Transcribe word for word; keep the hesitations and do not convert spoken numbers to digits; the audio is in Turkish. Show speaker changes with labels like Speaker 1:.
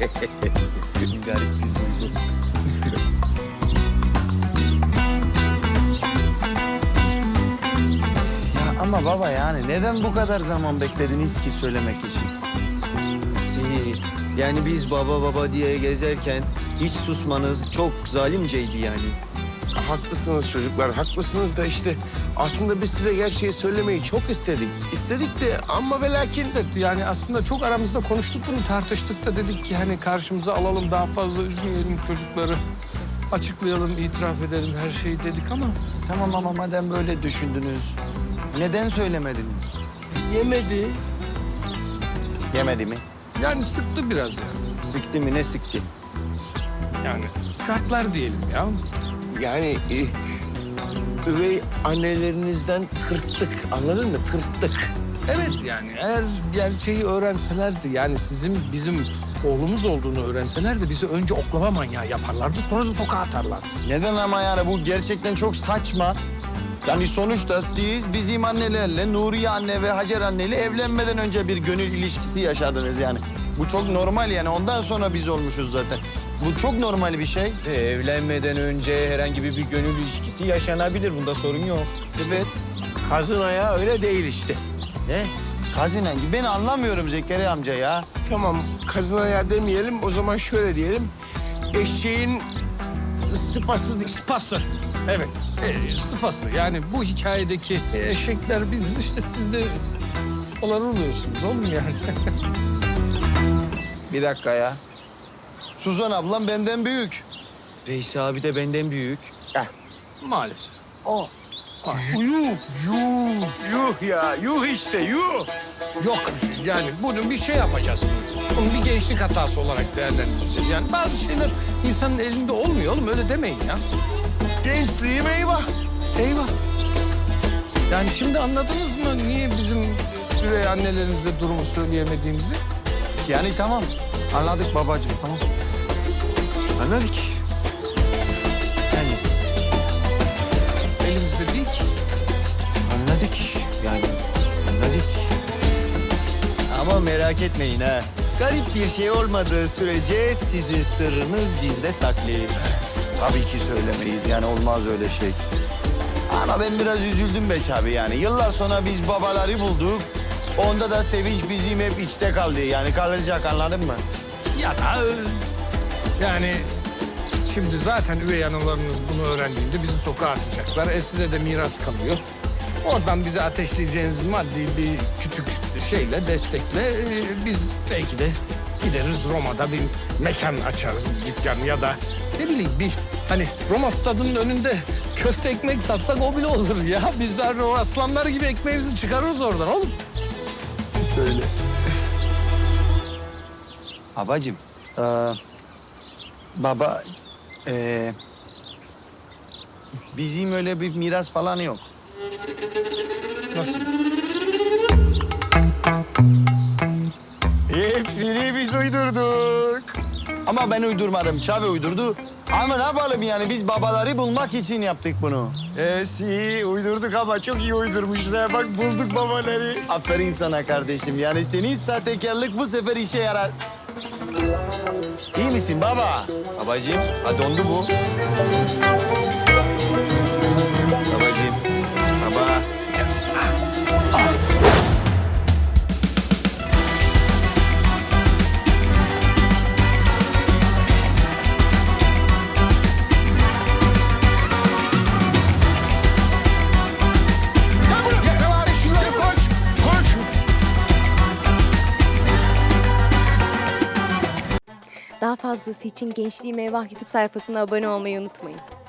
Speaker 1: Garip bir duygu. Ya ama baba yani neden bu kadar zaman beklediniz ki söylemek için? Si, yani biz baba baba diye gezerken hiç susmanız çok zalimceydi yani.
Speaker 2: Haklısınız çocuklar, haklısınız da işte aslında biz size gerçeği söylemeyi çok istedik. İstedik de ama ve lakin de
Speaker 3: Yani aslında çok aramızda konuştuk bunu, tartıştık da dedik ki hani karşımıza alalım, daha fazla üzmeyelim çocukları. Açıklayalım, itiraf edelim her şeyi dedik ama...
Speaker 1: Tamam ama madem böyle düşündünüz, neden söylemediniz?
Speaker 2: yemedi.
Speaker 1: Yemedi mi?
Speaker 3: Yani sıktı biraz yani.
Speaker 1: Sıktı mı, ne sıktı?
Speaker 3: Yani şartlar diyelim ya.
Speaker 2: Yani e, üvey annelerinizden tırstık, anladın mı? Tırstık.
Speaker 3: Evet yani eğer gerçeği öğrenselerdi, yani sizin bizim oğlumuz olduğunu öğrenselerdi bizi önce oklava manyağı yaparlardı, sonra da sokağa atarlardı.
Speaker 1: Neden ama yani bu gerçekten çok saçma. Yani sonuçta siz bizim annelerle, Nuriye anne ve Hacer anneyle evlenmeden önce bir gönül ilişkisi yaşadınız yani. Bu çok normal yani, ondan sonra biz olmuşuz zaten. Bu çok normal bir şey. E, evlenmeden önce herhangi bir, bir gönül ilişkisi yaşanabilir, bunda sorun yok.
Speaker 2: Evet. Kazın ayağı öyle değil işte.
Speaker 1: Ne? Kazinen gibi. Ben anlamıyorum Zekeriya amca ya.
Speaker 2: Tamam, kazın ayağı demeyelim, o zaman şöyle diyelim. Eşeğin sıpası...
Speaker 3: Sıpası. Evet, e, sıpası. Yani bu hikayedeki eşekler biziz, işte siz de sıpalar oluyorsunuz oğlum yani.
Speaker 1: Bir dakika ya. Suzan ablam benden büyük. Veysi abi de benden büyük.
Speaker 3: Maalesef.
Speaker 1: O.
Speaker 2: Yuh, yuh, yuh ya, yuh işte, yuh.
Speaker 3: Yok yani bunu bir şey yapacağız. Bunu bir gençlik hatası olarak değerlendireceğiz. Yani bazı şeyler insanın elinde olmuyor oğlum, öyle demeyin ya.
Speaker 2: Gençliğim eyvah.
Speaker 3: Eyvah. Yani şimdi anladınız mı niye bizim üvey annelerimize durumu söyleyemediğimizi?
Speaker 1: Yani tamam. Anladık babacığım, tamam. Anladık. Yani
Speaker 3: Elimizde değil ki.
Speaker 1: anladık. Yani anladık. Ama merak etmeyin ha. Garip bir şey olmadığı sürece sizin sırrınız bizde saklı. Tabii ki söylemeyiz, yani olmaz öyle şey. Ama ben biraz üzüldüm be abi yani. Yıllar sonra biz babaları bulduk. Onda da sevinç bizim hep içte kaldı. Yani kalacak, anladın mı?
Speaker 3: Ya da e, yani şimdi zaten üvey analarınız bunu öğrendiğinde bizi sokağa atacaklar. E size de miras kalıyor. Oradan bize ateşleyeceğiniz maddi bir küçük şeyle, destekle e, biz belki de gideriz Roma'da bir mekan açarız, dükkan ya da ne bileyim bir hani Roma stadının önünde köfte ekmek satsak o bile olur ya. Biz de o aslanlar gibi ekmeğimizi çıkarırız oradan oğlum.
Speaker 2: Söyle.
Speaker 1: Babacığım, ee, baba, ee, bizim öyle bir miras falan yok.
Speaker 3: Nasıl?
Speaker 1: Hepsini biz uydurduk. Ama ben uydurmadım, Çavi uydurdu. Ama ne yapalım yani, biz babaları bulmak için yaptık bunu.
Speaker 2: Ee, si uydurduk ama çok iyi uydurmuşuz. Ha. Bak bulduk babaları.
Speaker 1: Aferin sana kardeşim, yani senin sahtekarlık bu sefer işe yarar. İyi misin baba? Babacığım, ha dondu bu. Babacığım, baba.
Speaker 4: Daha fazlası için Gençliğim Eyvah YouTube sayfasına abone olmayı unutmayın.